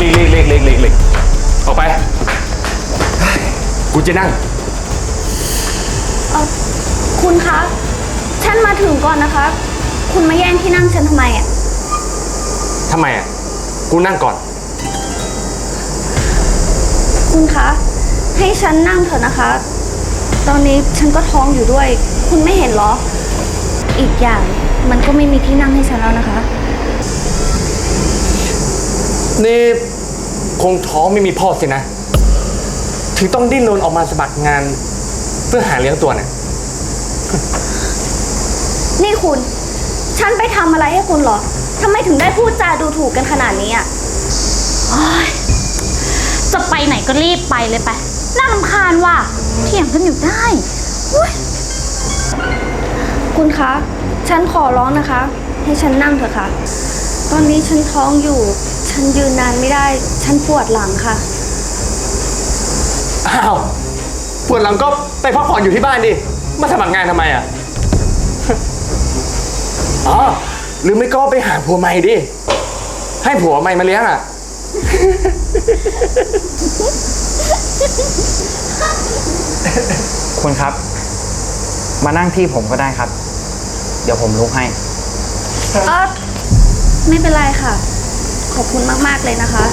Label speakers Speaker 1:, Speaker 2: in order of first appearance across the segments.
Speaker 1: หลีกออกไปกูจะนั่ง
Speaker 2: คุณคะฉันมาถึงก่อนนะคะคุณมาแย่งที่นั่งฉันทำไมอ่ะ
Speaker 1: ทำไมอ่ะกูนั่งก่อน
Speaker 2: คุณคะให้ฉันนั่งเถอะนะคะตอนนี้ฉันก็ท้องอยู่ด้วยคุณไม่เห็นเหรออีกอย่างมันก็ไม่มีที่นั่งให้ฉันแล้วนะคะ
Speaker 1: นี่คงท้องไม่มีพ่อสินะถึงต้องดิ้นรนออกมาสมัครงานเพื่อหาเลี้ยงตัวเนี่ย
Speaker 2: นี่คุณฉันไปทำอะไรให้คุณเหรอทำไมถึงได้พูดจาดูถูกกันขนาดนี้อ่ะ
Speaker 3: จะไปไหนก็รีบไปเลยไปน่ารำคาญว่ะเถียงกันอยู่ได้
Speaker 2: คุณคะฉันขอร้องนะคะให้ฉันนั่งเถอะค่ะตอนนี้ฉันท้องอยู่ฉันยืนนานไม่ได้ฉันปวดหลังค่ะ
Speaker 1: อ้าวปวดหลังก็ไปพักผ่อนอยู่ที่บ้านดิมาสมัครงานทำไมอ่ะอ๋อหรือไม่ก็ไปหาผัวใหม่ดิให้ผัวใหม่มาเลี้ยงอ่ะ
Speaker 4: คุณครับมานั่งที่ผมก็ได้ครับเดี๋ยวผมลุกให้
Speaker 2: ไม่เป็นไรค่ะขอบคุณมากๆเลยนะคะ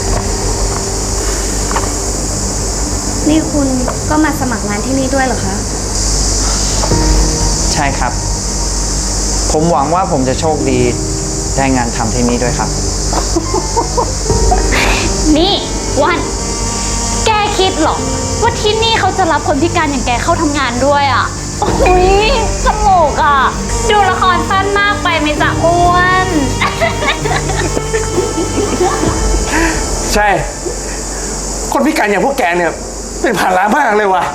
Speaker 2: นี่คุณก็มาสมัครงานที่นี่ด้วยเหรอคะ
Speaker 4: ใช่ครับผมหวังว่าผมจะโชคดีได้งานทำที่นี่ด้วยครับ
Speaker 3: นี่วันแกคิดหรอว่าที่นี่เขาจะรับคนพิการอย่างแกเข้าทำงานด้วยอ่ะโอ้ยสมกอ่ะดูละครสั้นมากไปไหมจ๊ะอ้วน
Speaker 1: ใช่คนพิการอย่างพวกแกเนี่ยเป็นภาระมากเลยว่ะ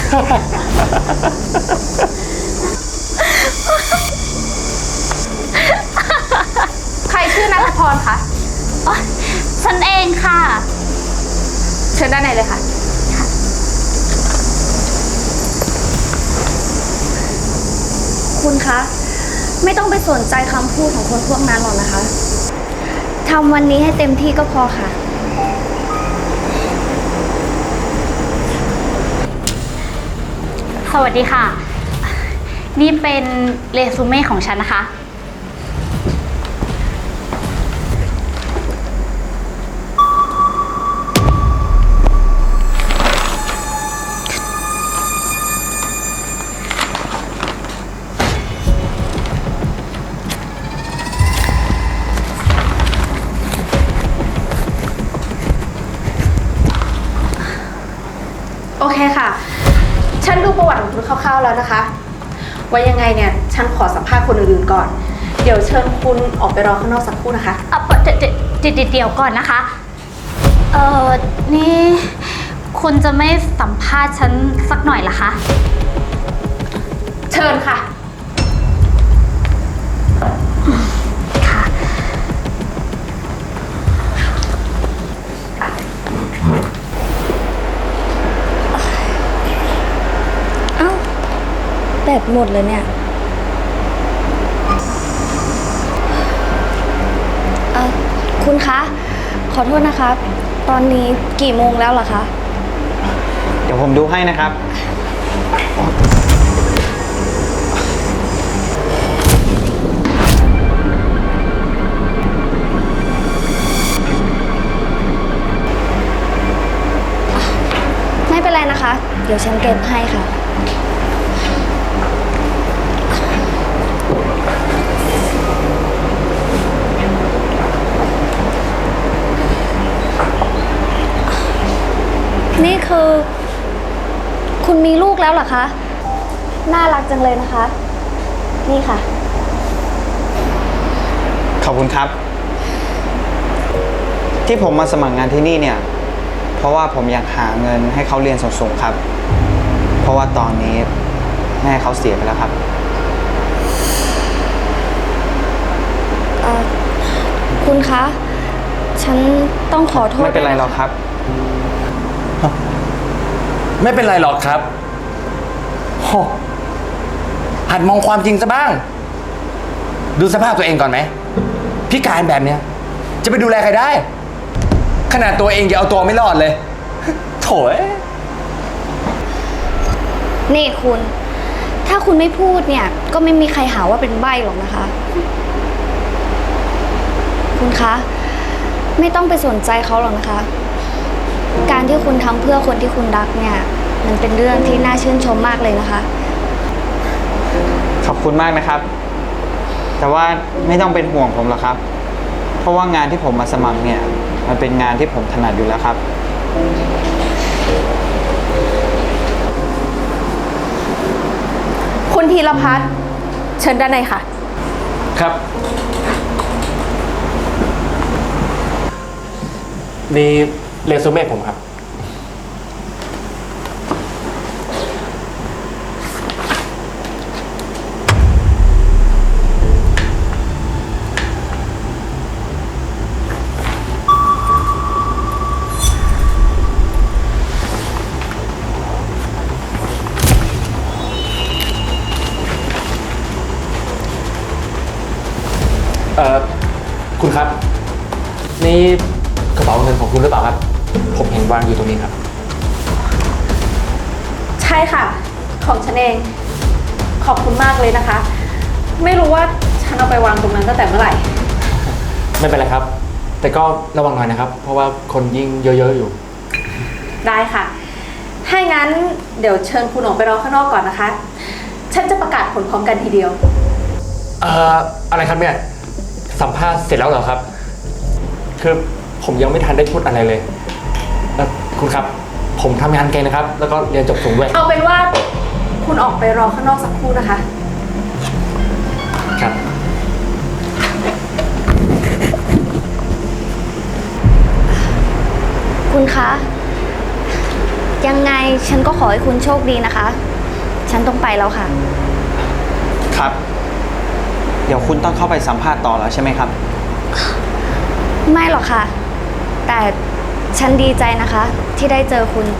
Speaker 2: ใครชื่อณัฐพรคะ
Speaker 3: ฉันเองค่ะ
Speaker 2: เชิญด้านในเลยค่ะคุณคะไม่ต้องไปสนใจคำพูดของคนพวกนั้นหรอกนะคะทำวันนี้ให้เต็มที่ก็พอค่ะ
Speaker 3: สวัสดีค่ะนี่เป็นเรซูเม่ของฉันนะคะ
Speaker 5: โอเคค่ะฉันดูประวัติของคุณคร่าวๆแล้วนะคะว่ายังไงเนี่ยฉันขอสัมภาษณ์คนอื่นๆก่อนเดี๋ยวเชิญคุณออกไปรอข้างนอกสักครู่นะคะ
Speaker 3: เดี๋ยวก่อนนะคะนี่คุณจะไม่สัมภาษณ์ฉันสักหน่อยเหรอคะ
Speaker 5: เชิญค่ะ
Speaker 3: ค่ะ
Speaker 2: แบตหมดเลยเนี่ยคุณคะขอโทษนะคะตอนนี้กี่โมงแล้วเหรอคะ
Speaker 4: เดี๋ยวผมดูให้นะครับ
Speaker 2: ไม่เป็นไรนะคะเดี๋ยวฉันเก็บให้ค่ะนี่คือคุณมีลูกแล้วเหรอคะน่ารักจังเลยนะคะนี่ค่ะ
Speaker 4: ขอบคุณครับที่ผมมาสมัครงานที่นี่เนี่ยเพราะว่าผมอยากหาเงินให้เขาเรียนสูงๆครับเพราะว่าตอนนี้แม่เขาเสียไปแล้วครับ
Speaker 2: คุณคะฉันต้องขอโทษ
Speaker 4: ไม่เป็นไรหรอกครับ
Speaker 1: ไม่เป็นไรหรอกครับโหหัดมองความจริงซะบ้างดูสภาพตัวเองก่อนไหมพิการแบบเนี้ยจะไปดูแลใครได้ขนาดตัวเองยังเอาตัวไม่รอดเลย โถ่เอ้ย
Speaker 2: นี่คุณ ถ้าคุณไม่พูดเนี่ย ก็ไม่มีใครหาว่าเป็นใบ้หรอกนะคะ คุณคะ ไม่ต้องไปสนใจเขาหรอกนะคะ การที่คุณทำเพื่อคนที่คุณรักเนี่ย มันเป็นเรื่องที่น่าชื่นชมมากเลยนะคะ
Speaker 4: ขอบคุณมากนะครับ แต่ว่าไม่ต้องเป็นห่วงผมหรอกครับ เพราะว่างานที่ผมมาสมัครเนี่ย มันเป็นงานที่ผมถนัดอยู่แล้วครับ
Speaker 5: คุณธีรพัฒน์เชิญด้านในค่ะ
Speaker 1: ครับ นี่เรซูเม่ผมครับ คุณครับ นี่กระเป๋าเงินของคุณหรือเปล่าครับ ผมเห็นวางอยู่ตรงนี้ครับ
Speaker 5: ใช่ค่ะ ของฉันเอง ขอบคุณมากเลยนะคะ ไม่รู้ว่าฉันเอาไปวางตรงนั้นตั้งแต่เมื่อไหร่
Speaker 1: ไม่เป็นไรครับ แต่ก็ระวังหน่อยนะครับ เพราะว่าคนยิ่งเยอะๆอยู่
Speaker 5: ได้ค่ะ ถ้างั้นเดี๋ยวเชิญคุณออกไปรอข้างนอกก่อนนะคะ ฉันจะประกาศผลพร้อมกันทีเดียว
Speaker 1: อะไรครับเนี่ย สัมภาษณ์เสร็จแล้วเหรอครับ คือผมยังไม่ทันได้พูดอะไรเลยคุณครับ ผมทำงานเก่งนะครับ แล้วก็เรียนจบสูงด้วย
Speaker 5: เอาเป็นว่าคุณออกไปรอข้างนอกสักครู่นะคะ
Speaker 1: ครับ
Speaker 2: คุณคะ ยังไงฉันก็ขอให้คุณโชคดีนะคะ ฉันต้องไปแล้วค่ะ
Speaker 4: ครับ เดี๋ยวคุณต้องเข้าไปสัมภาษณ์ต่อแล้วใช่ไหมครับ
Speaker 2: ไม่หรอกค่ะ แต่ฉันดีใจนะคะ ที่ได้เจอคุณ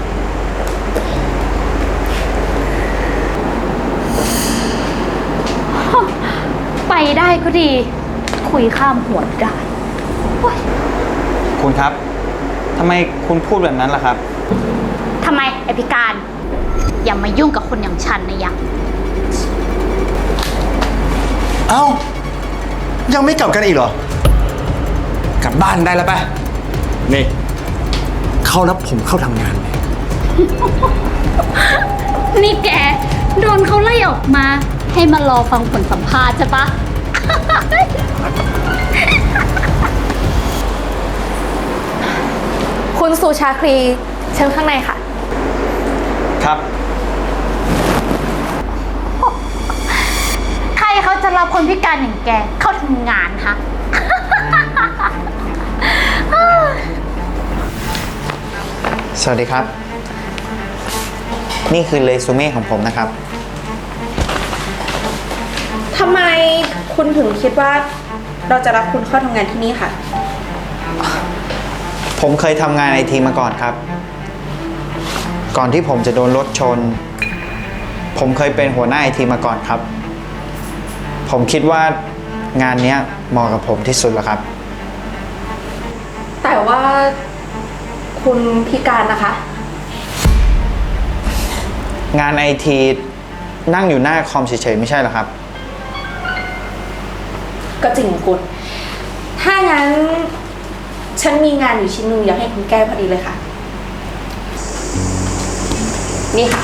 Speaker 3: ไปได้ก็ดี คุยข้ามหัวได้โอ๊ย
Speaker 4: คุณครับทำไมคุณพูดแบบนั้นล่ะครับ
Speaker 3: ทำไมไอพิการ อย่ามายุ่งกับคนอย่างฉันนะยัง
Speaker 6: เอ้า ยังไม่กลับกันอีกเหรอ
Speaker 1: กลับบ้านได้แล้วป่ะ นี่ เขารับผมเข้าทำงานเลย
Speaker 3: นี่แก โดนเขาไล่ออกมา ให้มารอฟังผลสัมภาษณ์ใช่ปะ
Speaker 5: คุณสุชาครีเชิญข้างในค่ะ
Speaker 4: ครับ
Speaker 3: ใครเขาจะรับคนพิการอย่างแกเข้าทำงานฮะ
Speaker 4: สวัสดีครับ นี่คือเรซูเม่ของผมนะครับ
Speaker 5: ทำไมคุณถึงคิดว่าเราจะรับคุณเข้าทำงานที่นี่ค่ะ
Speaker 4: ผมเคยทำงานไอทีมาก่อนครับ ก่อนที่ผมจะโดนรถชน ผมเคยเป็นหัวหน้าไอทีมาก่อนครับ ผมคิดว่างานเนี้ยเหมาะกับผมที่สุดแล้วครับ
Speaker 5: แต่ว่าคุณพิการนะคะ
Speaker 4: งานไอทีนั่งอยู่หน้าคอมเฉยๆไม่ใช่เหรอครับ
Speaker 5: ก็จริงของคุณ ถ้างั้น ฉันมีงานอยู่ชิ้นหนึงอยากให้คุณแก้พอดีเลยค่ะ นี่ค่ะ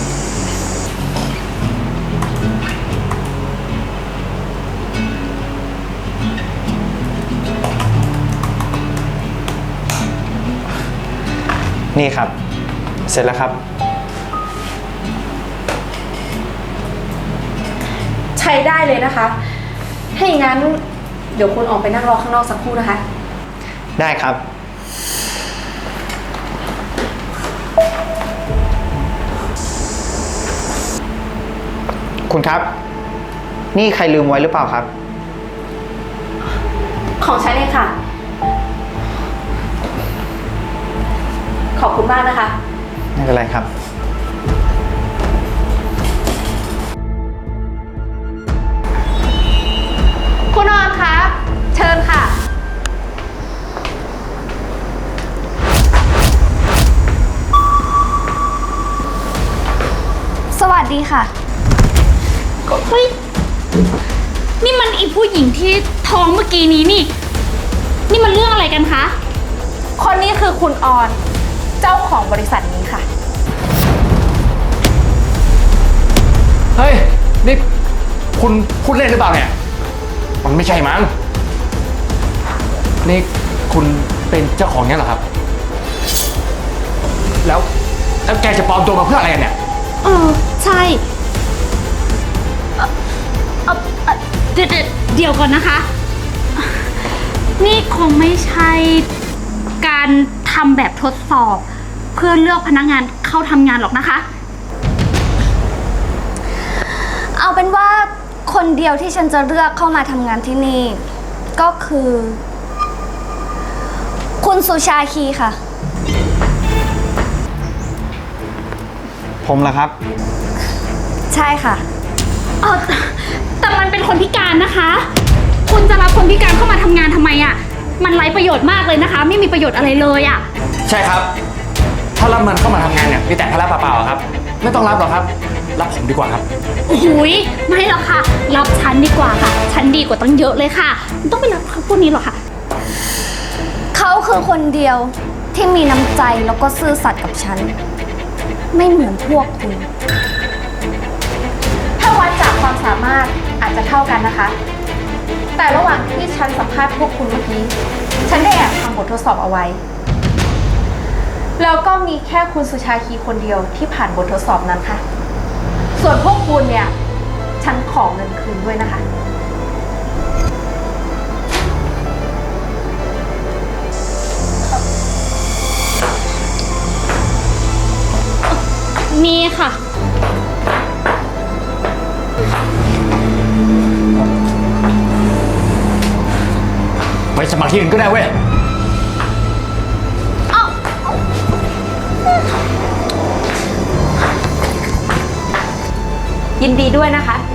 Speaker 4: นี่ครับ เสร็จแล้วครับ
Speaker 5: ใช้ได้เลยนะคะ ถ้าอย่างนั้น เดี๋ยวคุณออกไปนั่งรอข้างนอกสักครู่นะคะ
Speaker 4: ได้ครับ คุณครับ นี่ใครลืมไว้หรือเปล่าครับ
Speaker 5: ของฉันเองค่ะ ขอบคุณมากนะคะ
Speaker 4: ไม่เป็นไรครับ
Speaker 5: คุณออนคะ เชิญค่ะ
Speaker 2: ดีค่ะ
Speaker 3: เฮ้ย นี่มันอีผู้หญิงที่ท้องเมื่อกี้นี้นี่ นี่มันเรื่องอะไรกันคะ
Speaker 5: คนนี้คือคุณออน เจ้าของบริษัทนี้ค่ะ
Speaker 1: เฮ้ย นี่คุณพูดเล่นหรือเปล่าเนี่ย มันไม่ใช่มั้ง นี่คุณเป็นเจ้าของเนี่ยเหรอครับ แล้วแกจะปลอมตัวมาเพื่ออะไรกันเนี่ย
Speaker 3: ใช่เดี๋ยวก่อนนะคะ นี่คงไม่ใช่การทำแบบทดสอบ เพื่อเลือกพนักงานเข้าทำงานหรอกนะคะ
Speaker 2: เอาเป็นว่าคนเดียวที่ฉันจะเลือกเข้ามาทำงานที่นี่ ก็คือ คุณสุชาคีค่ะ
Speaker 4: ผมเหรอครับ
Speaker 2: ใช่ค่ะ
Speaker 3: แต่มันเป็นคนพิการนะคะ คุณจะรับคนพิการเข้ามาทำงานทำไมอ่ะ มันไร้ประโยชน์มากเลยนะคะ ไม่มีประโยชน์อะไรเลยอ่ะ
Speaker 1: ใช่ครับ ถ้ารับมันเข้ามาทำงานเนี่ยมีแต่ภาระเปล่าๆครับ ไม่ต้องรับหรอกครับ รับผมดีกว่าครับ
Speaker 3: หุยไม่หรอกค่ะ รับฉันดีกว่าค่ะ ฉันดีกว่าตั้งเยอะเลยค่ะไม่ต้องไปรับเขาพวกนี้หรอกค่ะ
Speaker 2: เขาคือคนเดียวที่มีน้ำใจแล้วก็ซื่อสัตย์กับฉัน ไม่เหมือนพวกคุณ
Speaker 5: ถ้าวัดจากความสามารถอาจจะเท่ากันนะคะ แต่ระหว่างที่ฉันสัมภาษณ์พวกคุณเมื่อกี้ ฉันได้แอบทำบททดสอบเอาไว้ แล้วก็มีแค่คุณสุชาคีคนเดียวที่ผ่านบททดสอบนั้นค่ะ ส่วนพวกคุณเนี่ย ฉันขอเงินคืนด้วยนะคะ
Speaker 3: นี่ค่ะ
Speaker 1: ไปสมัครที่อื่นก็ได้เว้ย
Speaker 5: ยินดีด้วยนะคะ